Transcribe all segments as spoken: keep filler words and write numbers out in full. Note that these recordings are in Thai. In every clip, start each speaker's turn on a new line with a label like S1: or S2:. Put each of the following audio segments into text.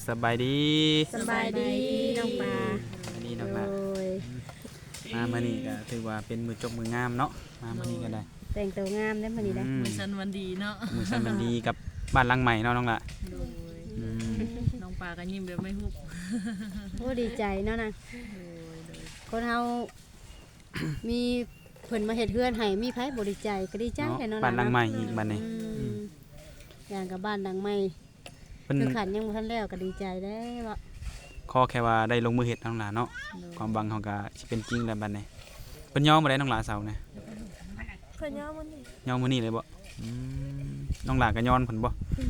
S1: สบายดี
S2: สบายดีน้องปลา
S1: อันนี้น้องละ
S2: โอ้ย
S1: มามื้อนี้ก็ถือว่าเป็นมือจบมืองามเนาะมามื้อนี้ก็ได้
S2: แต่งตัวงามได้อมื้อนี้ได้อ
S1: อืม
S3: มือสันวันดีเนาะ
S1: มือสันมันดีกับบ้านหลังใหม่เนาะน้องละ
S3: โดย
S1: อืม
S3: น้องปลาก็ยิ้มแบบไม่ฮุบ
S2: โอ้ดีใจเนาะนะ
S3: โดยโดย
S2: คนเฮา มีเพิ่นมาเฮ็ดเฮือนให้มีไผบ่ดีใจก็ดีใจ
S1: เนาะ
S2: แหละเนาะ
S1: บ้านหลังใหม่อีกบ้านนี้
S2: อืมอย่างกับบ้านหลังใหม่
S1: เพิ่น
S2: คือขันยังบ่ทันแล้วก็ดีใจได้อว่า
S1: ขอแค่ว่าได้ลงมือเฮ็ดน้องละเนาะความหวังเขาก็สิเป็นจริงแล้วบัดนี้เพิ่นยอมบ่ได้น้องละเสาเนี่ย
S4: เพิ่นย่อมันนี่
S1: ยอมมื้อนี้เลยบ่อืมน้องละก็ย้อนเพิ่นบ่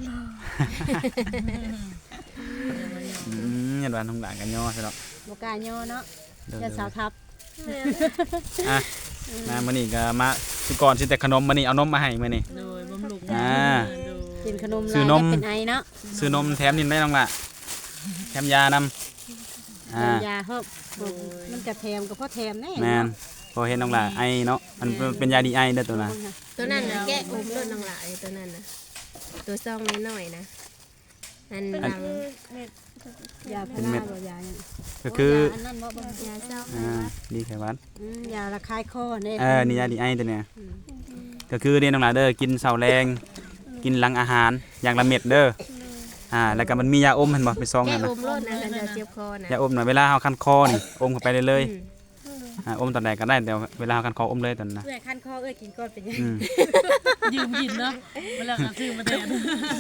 S1: อืมยันว่าน้องละก็ย้อซะเนาะ
S2: บ่กล้าย่อเนาะ
S1: เดี๋ยว
S2: จะสาวทับ
S4: แม่น
S1: อ่ะมามื้อนี้ก็มาสิก่อนสิแต่ขนมมื้อนี้เอานมมาให้มื้อนี้
S3: โดยบำรุง
S1: อ่า
S3: โดย
S2: กินขนม
S1: ซื้
S2: ลา
S1: อย นม
S2: แล้วเป็นไอเนาะ
S1: ซื้อนมแถมนี่ได้น้องละแถมยานำอ่า
S2: เป็นยาเพิ่มมันก็แถมก็พอแถมแน่
S1: แม่นพอเห็นน้องละไอเนาะมันเป็นยาดีไอเด้อตัวน่ะ
S5: ตัวนั้นนะแกะอมรถน้องหลายตัวนั้นนะตัวซองน้อยๆนะอันหลัง
S4: เม็ด
S2: ยาพาราบ่ยาหยัง
S1: ก็คือ
S2: โยาอันนั้นบ่บ่
S5: ยาซอง
S1: อ่าดีแค่วัน
S2: อืมยาระคายคอเนี่ย
S1: เออนี่ยาดีไอตัวเนี้ยก็คือเรียนน้องละเด้อกินเช้าแรงกินหลังอาหารอย่างละเม็ดเด้ออ่าแล้วก็มันมียาอมเห็นบ่เป็นซอง
S5: แกะ
S1: นั่น
S5: อ
S1: น่ะ
S5: มรถนะกันจะเจ็บคอนะ
S1: ยาอมน่ะเวลาเฮาคันคอนี่อมเข้าไปเลยเลย
S5: อืม
S1: อ่าอมตอนใดก็ได้แต่เวลาเฮาคันคออมเลยตอนนั้นนะ
S2: เอ้ยคันคอเอ้ยกินก่อนเป็นยัง
S1: อืม
S3: ยืมกินเนาะเวลาเขาซื้อมาแทน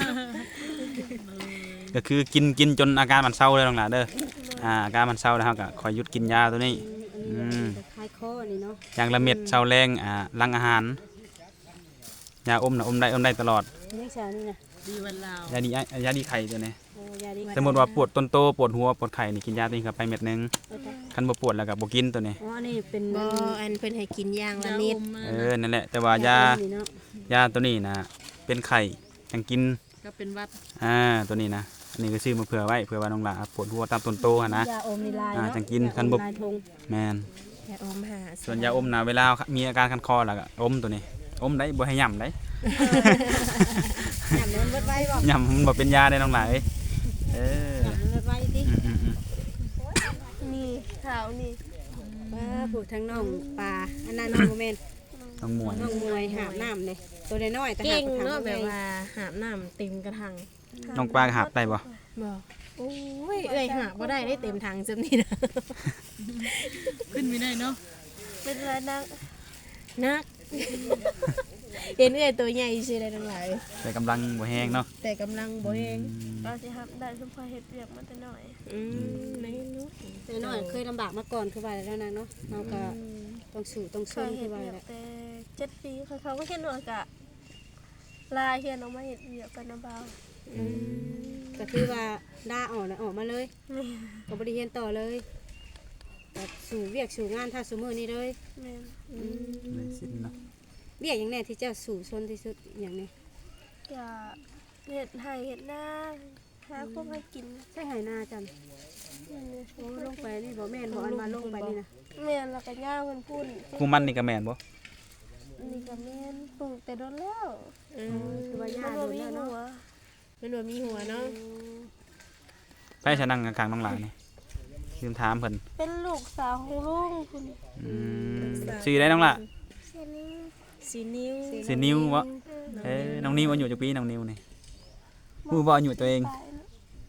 S1: ก็คือกินกินจนอาการมันเศร้าเลยน้องละเด้ออ่าอาการมันเศร้าแล้วเฮาก็ค่อยหยุดกินยาตัวนี้
S2: อันนี้ระคายคอนี่เนาะ
S1: อย่างละเม็ดเช้าแรงอ่าหลังอาหารยาอมน่ะอมได้อมได้ตลอด
S2: ยังชานี่นะ
S3: ดีวันลาวย
S1: าดีไอยาดีไข่ตัวนี้
S2: โอ้ยาดี
S1: สมมติว่าปวดต้นโตปวดหัวปวดไข่นี่กินยาตัวนี้เข้าไปเม็ดหนึงคันบ่ปวดแล้วก็บ่กินตัวนี้
S2: อ๋อนี่เป็น
S5: บ่อันเพิ่นให้กินอย่างละ
S3: ยา
S5: นิ
S3: อ
S5: ด
S3: มมา
S1: เออนั่นแหละแต่ว่ายา
S2: นี่เนาะ
S1: ยาตัวนี้นะเป็นไข่ยังกิน
S3: ก็เป็นวัด
S1: อ่าตัวนี้นะอันนี้ก็ซื้อมาเผื่อไว้เผื่อว่าน้องหลาปวดหัวตามต้นโตหั่นนะ
S2: ยาอมนี่ลาย
S1: อ่า
S2: เนาะ
S1: จังกิน
S2: ยาอม
S1: คันบ่
S2: ลายธง
S1: แม่น
S5: ยาอมหา
S1: ส่วนยาอมนะเวลามีอาการคันคอแล้วก็อมตัวนี้อมได้บ่ให้ย่ำได้
S2: ยำมันเบิดไว้บ่
S1: ย่ำมันบ่เป็นยาได้น้องหลาเอ้ยเออย
S2: ำมันเบิดไว้ติ
S1: อืมอืมอืม
S4: นี่ขาวนี่
S2: ป้าผูกทั้งน้องปลาอันนั้นน้องโมเมน
S1: น้องหมวย
S2: น้องมวยหาบน้ำเลยตัวน้อยๆแต่หา
S5: เก่
S2: บ
S5: ง
S2: กระถาง
S5: เนาะแบบ
S2: ใหญ่
S5: ว่าหาบน้ำเต็มกระถัง
S1: น้องปลาหาบได้บ่
S5: บ่โอ้ยเอ้ยหาบบ่ได้ได้เต็มถังจำนี่นะ
S3: ขึ้นไม่ได้เนาะ
S4: เป็นไรนัก
S5: นักเห็นเอ้ยตัวใหญ่สิได้ทั้งหลาย
S1: แต่กำลังบ่แห้งเนาะ
S5: แต่กำลังบ่แฮง
S4: เราสิครับได้สมพอเฮ็ดเรียกมาแต่น้อย
S5: อืมในนู้น
S2: ตัวน้อยเคยลำบากมาก่อนคือว่าแล้วนะเนาะเราก็ต้องสู้ต้อง
S4: เค
S2: สู้
S4: ย
S2: คื
S4: เฮ็
S2: อ
S4: ด
S2: ว่า
S4: เรียก
S2: แหละ
S4: แต่เจ็ดปีเขาเขาก็เฮ็ดหนวดกะลายเฮียนออกมาเฮ็ดเรียกกันนะบ่าว
S2: อืมก็คือว่าด่าออกนะออกมาเลย
S4: แม่น
S2: ก็บริเรียนต่อเลยแบบสู่เวียกสู่งานท่าสู่มือนี่เลย
S4: แม่น
S1: เลยสิ้นเนาะ
S2: เวียกอย่างแน่ที่เจ้าสู่ชนที่สุดอย่างนี้
S4: กะเฮ็ดให้เฮ็ดหน้าหาพวกให้กิน
S2: ใช่ไหหนาจัน
S4: นี่
S2: โอ้ลงไปนี่บ่แม่นบ่อันมาลงไปนี่นะ
S4: แม่นแล้วก็ย่าเพิ่นพูด
S1: กูมันนี่ก็แม่นบ่
S4: นี่ก็แม่นปลูกแต่โดนแล้ว
S5: อืม
S2: คือว่า
S4: มั
S2: ญาน ติ
S4: บ่
S2: โดน
S4: มี
S2: แล้ว
S4: หั
S2: เนาะ
S4: ว
S5: มันบ่มีหัวเนาะ
S1: ใช่ฉันนั่งข้างๆน้องหลานี่ลืมถามเพิ่น
S4: เป็นลูกสาวของลุงคุณ
S1: อืมชื่อได้น้องหล่ะ
S4: เสียนี้
S5: สีนิ้ว
S1: สินิวบ่เอ้ยน้องนิวอายุจักปีน้องนิวนี่ฮู้บ่อายุตัวเอง
S4: ตายแล้ว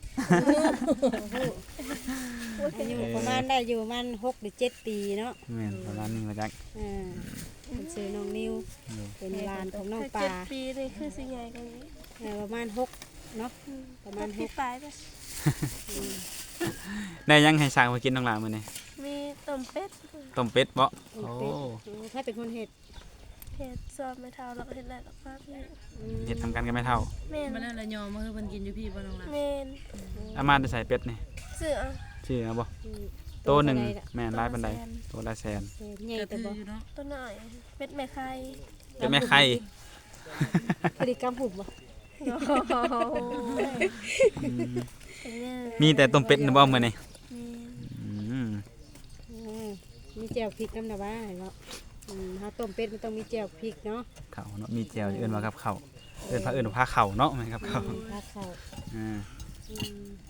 S2: อายุประมาณได้อยู่ประมาณหกหรือเจ็ดปีเนาะ
S1: แม่นประมาณนี้มาจัก
S2: อ่าเป็นชื่อน้องนิวเป็นหลานของน้อง
S4: ถ้า
S2: ป
S4: เจ็
S2: ลา
S4: ดปีนี่คือสิใหญ่กว่านี้
S2: เอ่อประมาณหกเนาะประมาณห
S4: พี่
S2: ก
S4: ปลายไป
S1: ได้ยังให้สร้างมากินน้องหล่ะมื้อนี้
S4: มีต้มเป็ด
S1: ต้มเป็ดบ่
S2: โอ้
S1: โอ้
S2: ถ้าเป็นคนเห็ด
S4: เห็ดซอสไม่เท่าแล้วก็เห็ดแหลกแล้วก็พี่
S2: อืม
S1: เฮ็ดทำกันกันไม่เท่า
S4: เมน
S3: มาแล้วละยอมมาคือเพิ่นกินอยู่พี่บ่น้องล่ะ
S4: เมน
S1: อามาได้ใส่เป็ดนี่
S4: เสือ
S1: ชื่อเอาบ่
S2: อืม
S1: โตหนึ่งแม่นหลายปานใดโตละแสน
S2: เออใหญ่
S3: ก็
S2: แต่
S3: ถือ
S2: บ่
S3: อยู่เนาะ
S4: ตัวหน่อยเป็ดแม่ไข่
S1: เป็นแม่ไข่
S2: พฤติกรรมหุบบ่
S4: โอ้โห
S1: อืม
S4: เป็นเนี่ย
S1: มีแต่ต้มเป็ดนะบ่มื้อนี้
S4: เมน
S1: อืม
S2: อืมมีแจ่วพริกน้ำนะว่าเนาะอืมถ้าต้มเป็ดมันต้องมีแจ่วพริกเนาะ
S1: ข้าวเนาะมีแจ่วเอิ้นว่ากับข้าวเอิ้นพาเอิ้นว่าพาข้าวเนาะแม่นกับข้าว
S2: ถ้าเข้าว
S1: อ่า
S2: อืม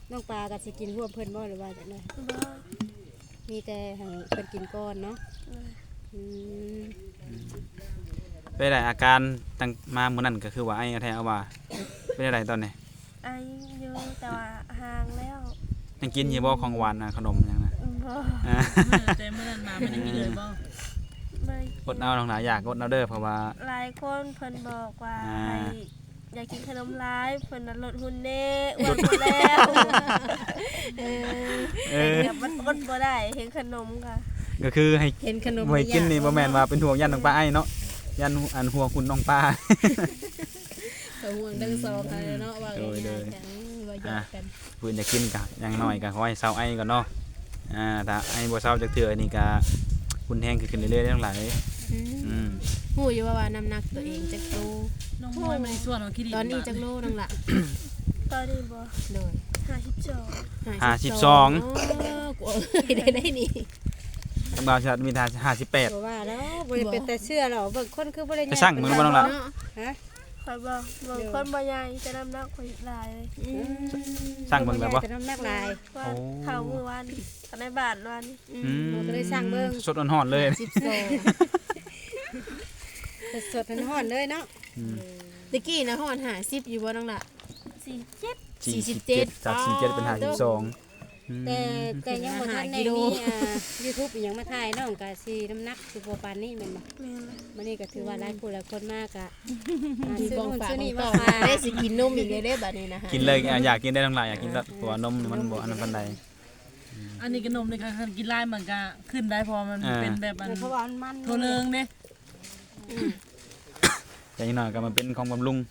S2: น้องปลาก็สิกินร่วมเพิ่นบ่หรือว่าจังได๋
S4: บ่
S2: มีแต่ให้เพิ่นกินก่อนเนาะ
S4: เลย
S2: อืม
S1: เป็นไรอาการตั้งมามื้อนั้นก็คือว่าไอ้แท้เอาว่าเป็นอะไรตอนนี้
S4: ไออยู่แต่ว่าห่างแล้ว
S1: ยังกินอยู่บ่ของหวานน่ะขนมหยังน่ะ
S4: บ่
S1: อ่า
S3: เมื่อแต่เมื่อนั้นมาไม่ได้กินเลยบ่
S4: ไม่
S1: อดเอาน้องหลายอยากอดเอาเด้อเพราะว่า
S4: หลายคนเพิ่นบอกว่า
S1: อ่า
S4: ให้อยากกินขนมร้ายเพิ่นน่ะลดหุ่นแน่อ้วนหมดแล้ว
S2: เออ
S1: เออ
S4: แต่มันอดบ่ได้เห็นขนมค่ะ
S1: ก็คือให้
S2: เห็นขนม
S1: บ่ให้กินนี่บ่แม่นว่า
S2: เ
S1: เป็นห่วงยันน้องปลาไอ้เนาะยันอันห่วงคุณน้องปลา
S2: ขาห่วงทั้งสองกันเนาะว่า
S1: โดยโด
S2: ง่าย ยๆกันว่าหยอกกัน
S1: เพิ่นจะกินก็อย่างน้อยก็ขอให้เซาไอ้ก่อนเนาะอ่าถ้าไอ้บ่เซาจักเทื่อนี่ก็คุณแฮงขึ้นเรื่อยๆได้ทั้งหลายอืม
S5: ฮู้อยู่ว่าว่าน้ำหนักตัวเองจักโล
S3: น้องมอยมันส่วนของคิดดี
S5: ตอนนี้จักโลนั่งละ
S4: ตอนนี้บ่
S5: โดย
S4: ห้าสิบสอง
S1: ห้าสิบสอง
S5: โกูเอ้ยได้ได้นี่
S1: ทั้งบ่าวชาติมีทาห้าสิบแปด
S2: บ่ว่าแล้วบ่ได้เป็นแต่เชื่อหรอกเบิ่งคนคือบ่ได้
S1: ไปสั่งมึงบ่น้องล่ะ
S2: ฮะ
S4: ข่อยบอกบางคนบ่ใหญ่แต่น้ำหนักข่อยหลายเลย
S2: อืม
S1: สั่งเบิ่งแล้วบ่
S2: แต่น้ำหนักหลาย
S4: ว่า
S1: โอ้
S4: เข้ามื้อวันตอนในบ้านวัน
S1: อืม
S2: เราก็เลยสั่งเบิ่ง
S1: สดอ่อนๆเลย
S5: สิบสอง
S2: สดๆร้อนๆเลยเนาะ
S1: อืม
S5: ตะกี้นะฮอดห้าสิบอยู่บ่นั่งละ
S4: สี่เจ็ด
S5: สี่สิบเจ็ด
S1: จากสี่สิบเจ็ดเป็นห้าสิบสองอืม
S2: แต่แต่ยังบ่ทันได้
S5: ห้ากิโล
S2: มีอ่า YouTube อีหยังมาถ่ายน้องก็สิน้ำหนักสิบ่ปานนี้แม่นบ่
S4: แม่นละ
S2: มื้อนี้ก็ถือว่าหลายผู้หลายคนมากอะอ่า
S5: มี
S2: ซื้อ
S5: ของ
S2: นู่น
S5: ฝาก
S2: ซื้อ
S5: ขอ
S2: นี่
S5: ง
S2: มา
S5: ต่อ
S2: ฝาก
S5: ได้สิกินนมอีกเลยเด้บัดนี้นะฮะ
S1: กินเลยอ่ะอยากกินได้ทั้งหลายอยากกินรสเพราะว่านมนี่มันบ่อันนั้นปานใด
S3: อันนี้ขนมในการกินไล่มันก็ขึ้นได้พอมัน
S1: อ่า
S3: เป็นแบบอัน
S2: เพราะว่ามันมัน
S3: โทรเลิงเด้
S1: แต่อีกหน่อยก็มาเป็นของบำรุง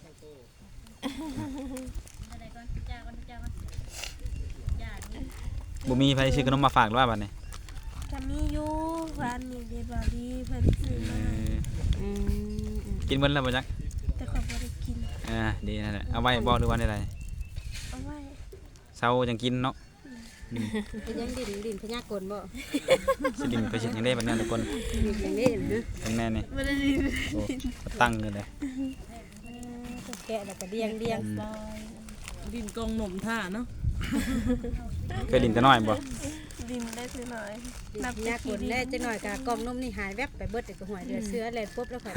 S1: บ่มีไผซื้อขนมมาฝากหรือว่าบัดนี้
S4: ก็มีอยู่ร้านนี้เดบารีเพิ่นซื้อ
S1: เอ
S4: มา
S1: อ
S2: อืม
S1: กินเบิ่แล้วบ่จัก
S4: แต่ข่อยบ่ได้กิน
S1: อ่าดีนั่นแหละเอาไว้บ่หรือว่าได้
S4: เอาไว้
S1: เช้าจังกินเนาะอืม
S2: เป็นยังดินดินพญากลบ่
S1: สิกินไปสิยังได้บัดนี้ทุกคน
S2: ดินอย่างนี้นะ
S1: เป็นแม่นี่
S4: บ่ได้กิน
S1: โอ้ตั้งเลยเลย
S2: แกะแล้วก็เดียงเดียง
S1: อืม
S3: ดินกองหนมท่าเนาะ
S1: เคยลิ้นแต่น้อยบ่
S4: ดินได้คือหน่อย
S2: ดินพญากลแน่จังหน่อยก็กล่องนมนี่หายแวบไปเบิดแต่ก็หวยเดือเสื้อแล่นปุ๊บแล้วข่อยได้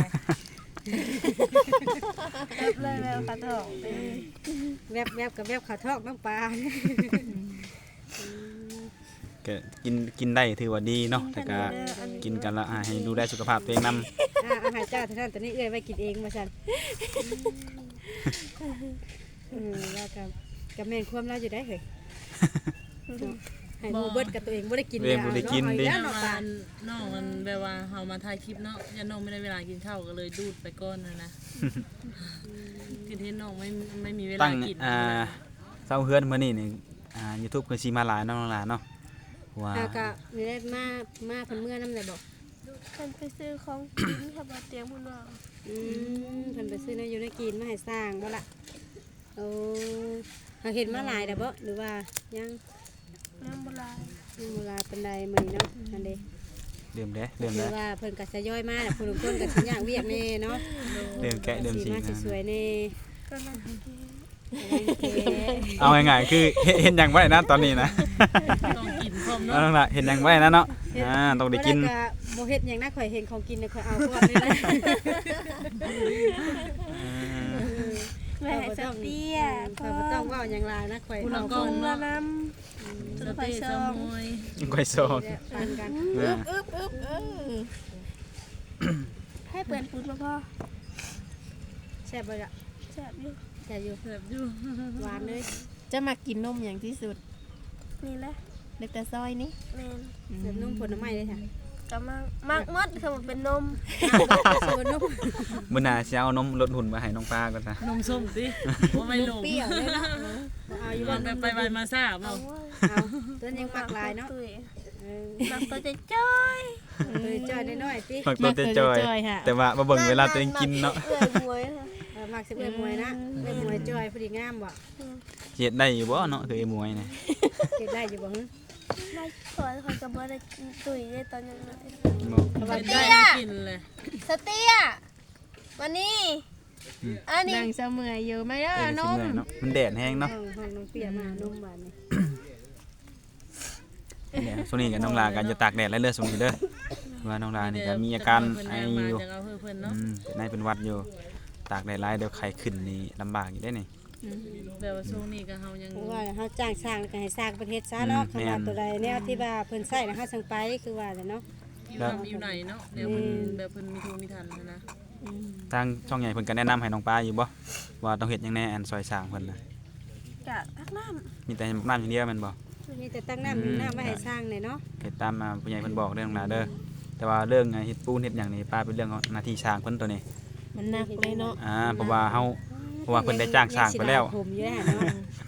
S4: แป๊บเลยแล้วค่ะท้องไป
S2: แวบแวบกับแวบขาทอกน้ำปลา
S1: ก็กินกินได้ถือว่าดีเนาะแต่ก็กินกันและอ่าให้ดูแลสุขภาพตัวเองนำ
S2: อ่าอาหารเจ้าท่านตอนนี้เอื้อยไว้กินเองมาซั่นอืมแล้วก็ก็แม่นความเราอยู่ได้เฮ้ยให้หมู่เบิดกับตัวเองบ่ได้กิน
S1: ตัวเองบ่ได้กินดิ
S2: เนาะ
S3: น้
S2: เนาะ
S3: อง
S2: ปลา
S3: น้องมันแบบว่าเฮามาถ่ายคลิปเนาะยันน้องไม่ได้เวลากินข้าวก็เลยดูดไปก่อนนะนะคือที่น้องไม่ไม่มีเวลา
S1: ตั้ง
S3: กิน
S1: อ่าเซาเฮือนมื้อนี้นี่อ่า YouTube คือสิมาหลายเนาะน้องหลานเนาะว่า
S2: อ่าก็มีได้มามาเพิ่นเมื่อนำได้บ่
S4: เพิ่นไปซื้อของกินค่ะบ่เตรียมเพิ่นว่า
S2: อืมเพิ่นไปซื้อในอยู่ในกินมาให้สร้างบ่ล่ะโอ้เฮาเห็นมาหลายแล้วบ่หรือว่ายัง
S4: น้ำบ่หลาย
S2: ยังบ่หลายปานใดมื้อนี้เนาะอันเด้
S1: เริ่มเด้เริ่ม
S2: หรื
S1: แล้
S2: อ
S1: ว
S2: ว่าเพิ่นก็ทยอยมาแล้วผู้ลางคนก็สิย่างเวียกแน่เนาะ
S1: เริ่มแกะเริ่ม
S2: สี
S1: สิ
S2: มาสิสวยแน่
S4: ก็นั่งกิน
S1: เอาง่ายๆคือเฮ็ดเห็นหยังบ่ได้นะตอนนี้นะ
S3: ต้องกินพร้อม
S1: เอา
S3: เนาะ
S1: ล่ะเห็นหยังบ่ได้นะเนาะอ่าต้องได้กิน
S2: บ่ก็บ่เฮ็ดหยังนะข่อยเห็นของกินน่ะข่อยเอาก่อนเลยนะ
S4: แม่ให้สเตีย
S2: ข่อยบ่ต้องเว้าหยังหลายนะข่อย
S3: คุณ
S2: เอา
S3: ก
S2: ก่
S3: อ
S2: อง น
S3: เนาะ
S4: น้
S3: สเต้สมวย
S1: ก้อยซอง
S2: ปันกัน
S1: อ่า
S5: อึ๊บอึ๊บเออ
S4: ำให้เปิดปูนมาพ่อ
S2: แซ่บบ่ล่ะ
S4: แซ่บอยู่
S2: แซ่บอยู่
S3: แบบอยู่
S2: หวานเลย
S5: จะมากินนมอย่างที่สุด
S4: นี่แหละ
S5: เล็กแต่ซอยนี่
S4: แม่น
S2: แซ่บนุ่มผลไม้เลยค่ะ
S4: ก็มากมากมดคือมันเป็นนม
S2: สวนนุ่ม
S1: มื้อหน้าสิเอานมลดหุ่นมาให้น้องปลาก่อนซะ
S3: นมส้มสิว่าไม่ลง
S2: เปรี้ยวเลยเนาะเอาอยู่
S3: มั
S2: ว่าน
S3: ไปไปมาซ่าเป
S4: เอา
S3: ล่า
S4: เว้ย
S2: เอาตัวยังปักลายเนาะ
S4: ตุ้ย
S2: เออ
S4: มักตัวจะจ้อย
S2: ตัวจ้อยน้อยๆติ
S1: มักตัวเตจอย
S5: ค่ะ
S1: แต่ว่ามาเบิ่งเวลาตัวเองกินเนาะ
S4: เอื่อยมวยค่ะ
S2: เออมักสิเอ้ยมวยนะเอ้ยมวยจ้อยพอดีงามบ่
S1: เฮ็ดได้อยู่บ่เนาะคือไอ้มวยนี่
S2: เก็บได้อยู่บ่ฮึ
S4: ไม่ขอขอจะบ่ได้กินตุ้ยได้ตอนนั้นเลย
S1: บ่
S2: เพราะว่า
S3: ได้ไม่กินเลย
S4: สเตียมานี่อันนี้
S5: นั่งเสมออยู่ไม่ได้
S1: เออน สิ
S5: ม
S1: เมื่อยเนาะมันแดดแห้งเนาะ
S2: ห้องห้องน้องเปียมานมหวานนี่
S1: เนี่ยช่วงนี้กับน้องลากันจะตากแดดและเลือดสูงอยู่เด้อว่าน้องลานี่ก็มีอาการไออยู่
S3: จะเอาเพื่อเพิ่น
S1: อื
S3: เนาะ
S1: มเป็นไอเป็นหวัดอยู่ ตากแดดหลายเดี๋ยวไข้ขึ้นนี่ลำบากอยู่ได้นี่
S3: แบบว่าช่วงนี้ก็เฮายัง
S2: เพราะว่าเฮาจ้างสร้างแล้วก็ให้สร้างประเทศซะเนาะ
S1: อืม
S2: คำว่า
S1: แม่น
S2: ตัวใดแนวที่ว่าเพิ่นใช้นะเฮาสั่งไปคือว่าแหละเนาะ
S3: อยู่นำอยู่ไหนเนาะเดี๋ยวเพิ่นแบบเพิ่นมีทุนมีทันนะนะ
S1: ทางช่องใหญ่เพิ่นก็แนะนำให้น้องปลาอยู่บ่ว่าต้องเฮ็ดหยังแน่อันซอยสร้างเพิ่นน่ะ
S4: กะทักน้
S1: มีแต่น้ำอย่างเดียวแม่นบ่
S2: มีแต่ตั้งน้ำอยู่น้ำไว้ให้สร้างเลยเนาะ
S1: เฮ็ดตามมาผู้ใหญ่เพิ่นบอกเด้อน้องลาเด้อแต่ว่าเรื่องเฮ็ดปูนเฮ็ดหยังนี่ป้าเป็นเรื่องของหน้าที่สร้างเพิ่นตัวนี้
S5: มันหนักเลยเนาะ
S1: อ่าเพราะว่าเฮาเพราะว่าเพิ่นได้จ้างสร้างไปแล้ว
S2: ยังสิด่ผมอยู่แล้วเนาะ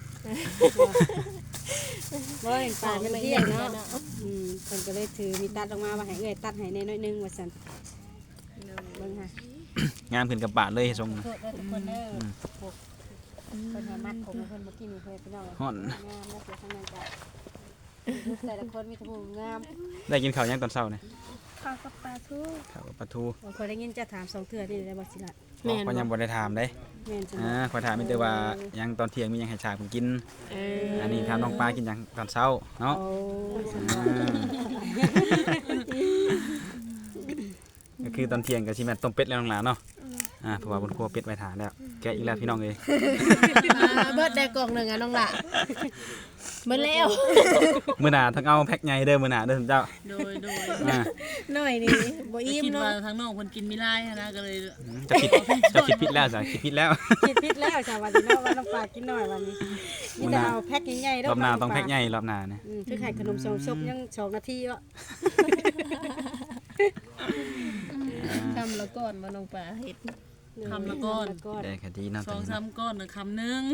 S2: บ่เห็นป่ามันเที่ยงเนาะอืมเพิ่นก็เลยถือมีตัดออกมาว่าให้เอ้อยตัดให้แน่น้อยหนึงว่าซั่นเบิ่งค่ะ
S1: งามขึ้นกับปาดเลยทรง
S2: โทษเด้อทุกคนเด้อพวกเพิ่นให้มัดผมให้เพิ่นบ่กินนี่เพิ่นพี่น้อง
S1: ฮ้อน
S2: งามแล้วเสียทั้งนั้นจ้ะแต่ละคนมีแต่ผู้งาม
S1: ได้กินข้าวยังตอนเช้านี่
S4: ำข้าวกับปลาทู
S1: ข้าวกับปลาทู
S2: บางคนได้ยินจะถามสองเทื่อนี่ได้บ่สิล่ะ
S5: แม่น
S1: ก็ยังบ่ได้ถามเด้
S2: แม่นจัง
S1: อ่าขอถามมีแต่ว่ายังตอนเที่ยงมีหยังให้ฉากเพิ่นกิน
S5: เออ
S1: อันนี้ถามน้องปลากินหยังตอนเช้าเนาะ
S2: โอ้
S1: ก็คือตอนเที่ยงก็สิแม่นต้มเป็ดแล้วน้องหลานเนาะอ่าเพราะว่าบนครัวเป็ดไว้ทานแล้วแกะอีกแล้วพี่น้องเอ้ย
S5: อ่าเบิดได้กล่องหนึงอ่ะน้องละเบิดแล้ว
S1: มื้อหน้าต้องเอาแพ็คใหญ่เด้อมื้อหน้าเด้อเจ้า
S3: โดยโดย
S1: อ่า
S5: หน่อยนี่บ่อิ่ม
S3: คิด
S5: เนาะ
S3: ว่าทางน้องเพิ่นกินไม่ได้นะก็เลย
S1: จะคิดจะคิดผิดแล้วจ้ะคิดผิดแล้ว
S2: คิดผิดแล้วจ้ะวันนี้เนาะว่าน้องปลากินน้อยวันนี้นี่แต่เอาแพ็คใหญ่ๆเด้
S1: รอบหน้าต้องแพ็คใหญ่รอบหน้านะ
S2: อืมคือไข่ขนมสองซบยังสองนาทีวะ
S5: ทำแล้วก่อนมาน้องปลาเฮ็ด
S3: คำละก้อน
S2: ก้อน
S1: ได้คดีเนาะ
S3: สองสามก้อนน่ะคำหนึง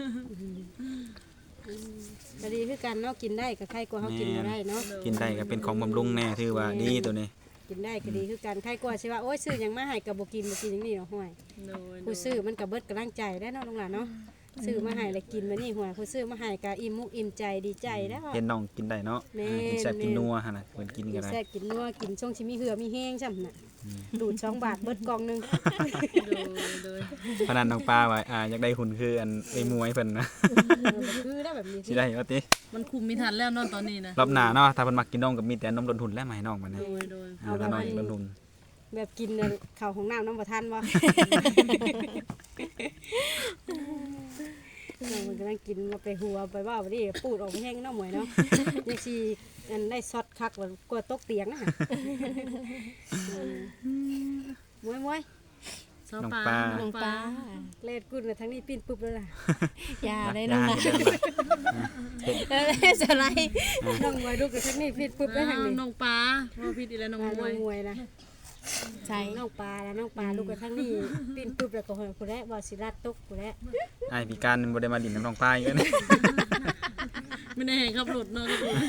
S2: ก็ดีคือกันเนาะกินได้ก็ไข่กว่าเฮากินบ่ได้เนาะ
S1: กินได้ก็เป็นของบำรุงแน่ถือว่าดีตัวนี้
S2: กินได้ก็ดีคือกันไข่กว่าสิว่าโอ้ยซื้อหยังมาให้ก็บ่กินบ่กินอย่างนี้เนาะห่วย
S3: โดย
S2: ผู้ซื้อมันก็เบิดกำลังใจได้เนาะลุงหลานเนาะซื้อมาให้แล้วกินมานี่ห่วยผู้ซื้อมาให้ก็อิ่มมุกอิ่มใจดีใจแล้ว
S1: เห็นน้องกินได้เนาะ
S2: แม่
S1: อ่ากินแซ่บกินนัวหั่นน่ะเพิ่นกิน
S2: กิ
S1: ก็
S2: น
S1: ได้
S2: แซ่บกินนัวกินช่วงชิมีเหือมีแห้งช่ำน่ะดูดสองบาทเบิดกล่องหนึง
S3: โดยโดย
S1: เพราะนั้นน้องปลาว่าอ่าอยากได้หุ่นคืออันไอ้มวยเพิ่นนะ
S2: คือได้แบบนี้
S1: สิได้ว่าติ
S3: มันคุมไม่ทันแล้วเนอนตอนนี้นะ
S1: รอบหน้าเนาะถ้าเพิ่นมักกินนมก็มีแต่นมดนทุนแล้วมาให้น้องมันนะ
S3: โดยโดย
S1: อ่าถ้าน้องอยากดนทุน
S2: แบบกินน่ะข้าวของน้ำน้ำบ่ทันบ่ มันกำลังกินมาไปหัวไปว่าบ่นี่ปูดออกไปแห้งเนาะหมวยเนาะยังสิอันได้ซอดคักว่ากลัวตกเตียงน่ะมวยมวย
S3: เช้า
S1: น้อง
S3: ปลา
S1: ปลา
S5: น้องปลา
S2: เล่นกุนน่ะทั้งนี้ปิ้นปุ๊บแล้วล่ะ
S5: อย่าได้น้องละ
S1: ย่าเด้อ
S5: เออสไลด์
S2: น้องมวยลูกกับทั้งนี้ปิ้นปุ๊บแล้วทาง
S3: อ้าว
S2: นี้
S3: น้องปลาพ่อพี่ดีแล้วน้อง
S2: น้อง
S3: มวย
S2: มวยนะ
S5: ใช่
S2: น้องปลาแล้วน้องปลาลูกกับทั้งนี้ปิ้นปุ๊บแล้วก็หอยผู้แลบ่สิรัดตกผู้แล
S1: ไอ้พี่การบ่ได้มาดินน้ำน้องปลาอีกแล้วนี่
S3: ไม่ได้เห็นขับรถเนาะขับรถ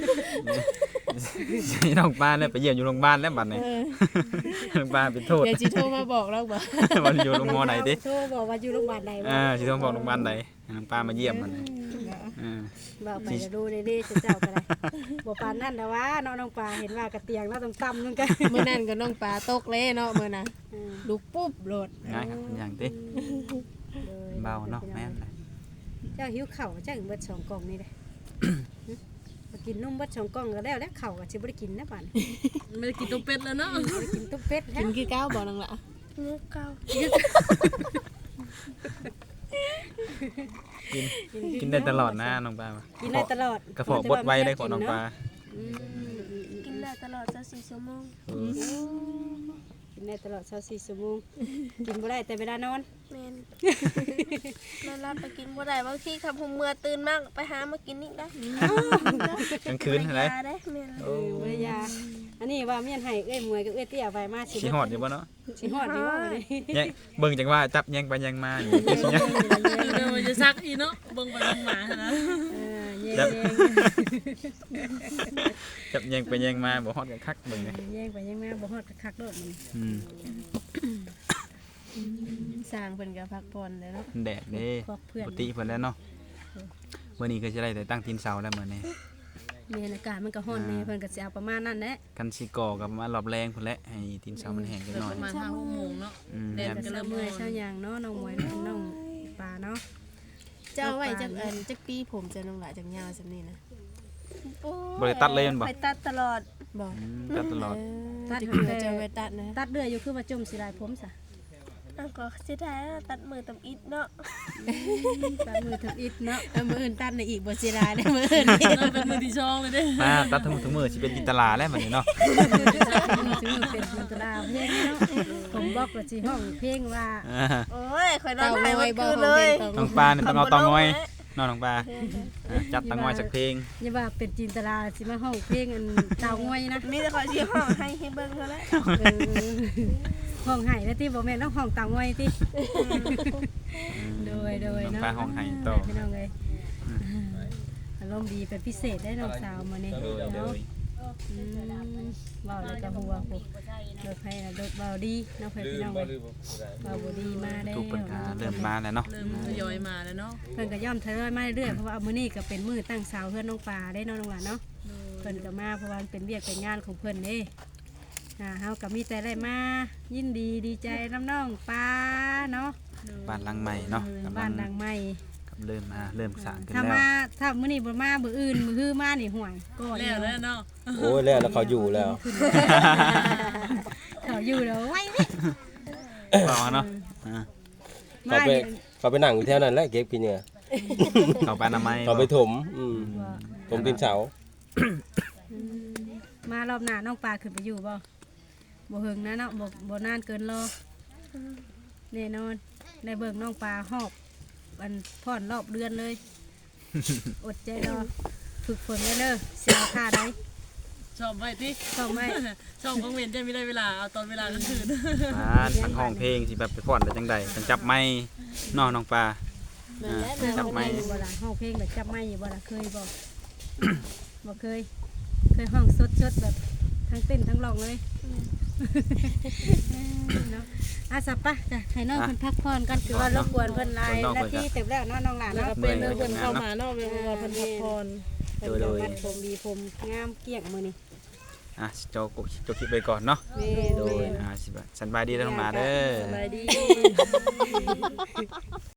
S1: ใช่น้องปลาเนี่ยไปเยี่ยมอยู่โรงพยาบาลแล้วบัดนี้น้องปลาเป็นโทษ
S5: เดี๋ยวจิโทรมาบอกเราบ่
S1: วันอยู่โรงพยาบาลไหนติ
S2: โทรบอกว่าอยู่โรงพยาบาลใดบ่
S1: อ่าสิต้องบอกโรงพยาบาลใดน้องปลามาเยี่ยมมันอ่า
S2: บอกไปจะดูเด้ๆเจ้าก็ได้บ่ปานนั้นแต่ว่าน้องน้องปลาเห็นว่ากระเตียงแล้วต่ำๆนึงกัน
S5: มื้อนั้นก็น้องปลาตกเลยเนาะมื้อน่ะลูกปุ๊บโลด
S1: ง่ายครับเป็นอย่างติเบาเนาะแม่นเลย
S2: เจ้าหิวข้าวเจ้าถึงเบิดสองกล่องนี่เด้มากินนมเบิดสองกล่องก็แล้วแล้วข้าวก็สิบ่ได้กินนะบัด
S3: ไม่ได้กินต้มเป็ดแล้วเนาะ
S2: บ่ได้กินต้มเป็ดแล้
S5: กิ
S2: วน
S5: คือก้าวบ่น้องละ
S4: มือเก่า
S1: กินกินได้ตลอดนะน้องปลา
S2: กินได้ตลอด
S1: กระเพาะบดไว้ได้ของน้องปลา
S2: อืม
S4: กินได้ตลอดจะสี่ชั่วโมง
S1: เออ
S2: กินได้ตลอดยี่สิบสี่ชั่วโมงกินบ่ได้แต่เวลานอน
S4: แมนนอนรับไปกินบ่ได้บางทีขับผมเมื่อตื่นมากไปหามากินนี่ได้
S1: กลางคืนอะไร
S4: ยาได้แม่น
S1: โอ้
S2: เบ่ได้ยาอันนี้ว่าเมียนให้เอ้ยมวยกับเอ้ยเตี้ยไปมาสิ
S1: สิฮอดอยู่บ่เนาะ
S2: สิฮอดอยู่ว่าเลย
S1: แยงเบิ่งจังว่าจับแยงไปแยงมาอยู่คือสิยัง
S3: เดี๋ยวมันจะซักอีเนาะเบิ่งไปเบิ่งมานะ
S2: เออแย่
S1: จับ
S2: ง
S1: จับแยงไปแยงมาบ่ฮอดกันคักเบิ่งเลย
S2: แย่งไปแย่งมาบ่ฮอดคักๆโดดมัน
S1: อืม
S5: สร้างเพิ่นก็พักผ่อนเด้อเนาะ
S1: แดดเด้
S2: พวกเพื่อน
S1: ปกติเพิ่นแล้วเนาะวันนี้ก็จะได้แต่ตั้งตีนเสาแล้วมื้อนี้
S2: แม่นอากาศมันก็ร้อนแน่เพิ่นก็สิเอาประมาณนั้นแหละ
S1: กันสิก่อกับมารอบแรงพุ่นแหละให้ตีนเสามันแห้งจัก
S3: เกิด
S1: หน่อ
S3: ป
S1: ย
S3: ระมาณห้าหกโมงเนาะ
S1: อืม
S3: แดด
S2: ก็
S3: ก็
S2: สิ
S3: เริ่ม
S2: เมื่
S3: ร้
S2: อย
S3: อน
S2: เช้าหยังเนาะน้องหมวยน้องปลาเนาะ
S5: เจ้าไว้จักอันจักปีผมจะน้องหลายจักยาวซำนี้นะ
S1: บ่ได้ตัดเลยแม่นบ่
S4: ไปตัดตลอด
S5: บ่
S1: อืมตัดตลอด
S2: ตัด
S5: จะ
S2: หั
S5: คื
S2: น
S5: อ
S2: แต่
S5: จะไว้ตัดนะ
S2: ตัดเรื่อยอยู่คือว่าจมสิลายผมซะ
S4: อ่ะก็สิได้ตัดมือตำอิดเนาะ
S2: ตัดมือถึงอิดเนาะ
S5: เอามื้ออื่นตัดในอีกบ่สิลาได้มื้ออื่นนี่
S3: เราเป็นมือที่ช่องเลยเด้
S1: มาตัดทั้งหมดทั้งมือสิเป็นอิตาลาแล้วบัดนี้เนาะ
S2: ถึงมือเป็นจินตนาเพลงเนาะผมบอกว่าสิห้องเพลงว่า
S1: อ่า
S4: โอ้ยข่อยนอ
S5: เต่าน
S4: ไห้
S5: น้อ
S4: วั
S5: ย
S4: น
S5: บ่
S4: คืน
S5: ของ
S4: เล
S5: เพล
S4: ย
S5: งต่อ
S1: น้องปลาเนี่ยต้องเอาเตองอยน้องน้องปลาอ่ะจัดเตองอยสักเพลง
S2: อย่าว่าเป็นจินตนาสิมาห้องเพลงอันเตาง่อยนะ
S4: มีแต่ข่อยสิห้องให้ให้เบิ่งเท่านั้น
S2: เออห้องไห้แล้วที่บ่แม่นต้องห้องเตาง่อยติโดยโดย
S1: น้อง
S2: เนาะ
S1: ปลาห้องไห้ต่อ
S2: พี่น้องเอ้ยอารมณ์ดีเป็นพิเศษได้น้องสาวมื้อนี้
S1: โดยโด
S2: เนาะ
S1: ย
S2: อืมเว้าแล้วก็หัวผมโดยไผน่ะโดยเว้าดีเนาะเพิ่นพี่น้องเอ้ยเว้าบ่ดีมาได้
S1: ทุกปัญหาเริ่มมาแล้วเนาะ
S3: เริ่มทยอยมาแล้วเนาะ
S2: เพิ่นก็ย่อมทยอยมาเรื่อยๆเพราะว่ามื้อนี้ก็เป็นมื้อตั้งเสาเฮือนน้องปลาได้เนาะน้องหลานเนาะเพิ่นก็มาเพราะว่ามันเป็นเวียกเป็นงานของเพิ่นเด้อ่าเฮาก็มีแต่ได้มายินดีดีใจน้ำน้องปลาเนาะ
S1: บ้านหลังใหม่เนาะกำลั
S2: บ้าง นดังใหม่
S1: กับเริ่มมาเริ่มสร้างขึ้น
S2: ถ้า
S1: แล้ว
S2: มาถ้ามื้อนี้บ่มามื้ออื่นมื้อฮื้อมานี่ห่วยก็
S3: แล้วแล้วเนาะ
S6: โอ้ยแล้วแล้วเขาอยู่แล้ว
S2: เขาอยู่แล้วไว้เว้ย
S1: บอกเนาะอ่า
S2: มา
S6: เขาไป
S2: นี่
S6: เขาไปนั่งอยู่แถวนั้นแหละเก็บกินเหงื่อ
S1: เขาไปอนามัย
S6: เขาไปถมอืมถมดินเสา
S2: อืมมารอบหน้าน้องปลาขึ้นไปอยู่บ่บ่หึงนะเนาะบ่บ่นานเกินรอแน่นอนได้เบิ่งน้องปลาหอบอันพ่อนรอบเดือนเลย อดใจรอฝึกฝนไว้เด้อเสียค่าได้
S3: ชอบไว้ติ
S2: ชอบไหม
S3: ชอบกังเวนจะไม่ได้เวลาเอาตอนเวลากลางคืน
S1: บ้านทั้งห้องเพลงสิแบบไปฟ้อนได้จังใดจังจับไม้น้องน้องปลาอ่าจับไม้
S2: อยู่บ่ล่ะห้องเพลงแบบจับไม้อยู่บ่ล่ะเคยบ่ บ่เคย เคยห้องสดๆแบบทั้งเต้นทั้งร้องเลยเนาะอาสับปะจ้ะให้น้องเพิ่นพักผ่อนกันคือว่ารบกวนเพิ่นหลายนาทีเต็มแล้วเนาะน้องหลาน
S3: แล้ว
S2: เนาะ
S3: ก็เป็นเรื่องเพิ่นเข้ามาเนาะเวลาเพิ่นพักผ่อน
S2: เพิ่นจะมัดผมดีผมงามเกลี้ยงมื้อนี้
S1: อ่ะโจกโจกคลิปไปก่อนเนาะ
S2: แม่
S1: โดยอ่าสิบสันบายดีแล้วน้องหมาเด้อ
S3: สบายดี